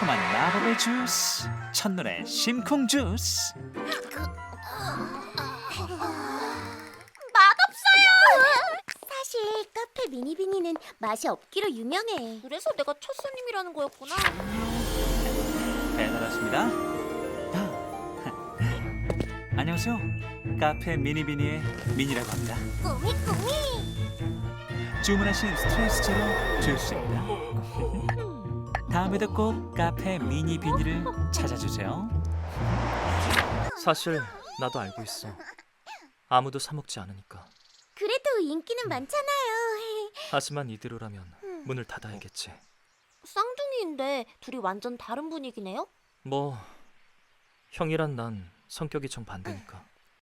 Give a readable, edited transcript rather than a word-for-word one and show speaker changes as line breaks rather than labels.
달콤한 마법의 주스, 첫눈의 심쿵 주스.
사실 카페 미니비니는 맛이 없기로 유명해.
그래서 내가 첫 손님이라는 거였구나.
배달 왔습니다. 안녕하세요. 카페 미니비니의 미니라고 합니다.
꾸미.
주문하신 스트레스 제로 주스입니다. 다음에도 꼭 카페 미니비니를 찾아주세요.
사실 나도 알고 있어. 아무도 사 먹지 않으니까.
그래도 인기는 많잖아요.
하지만 이대로라면 문을 닫아야겠지.
쌍둥이인데 둘이 완전 다른 분위기네요?
뭐 형이란 난 성격이 정 반대니까.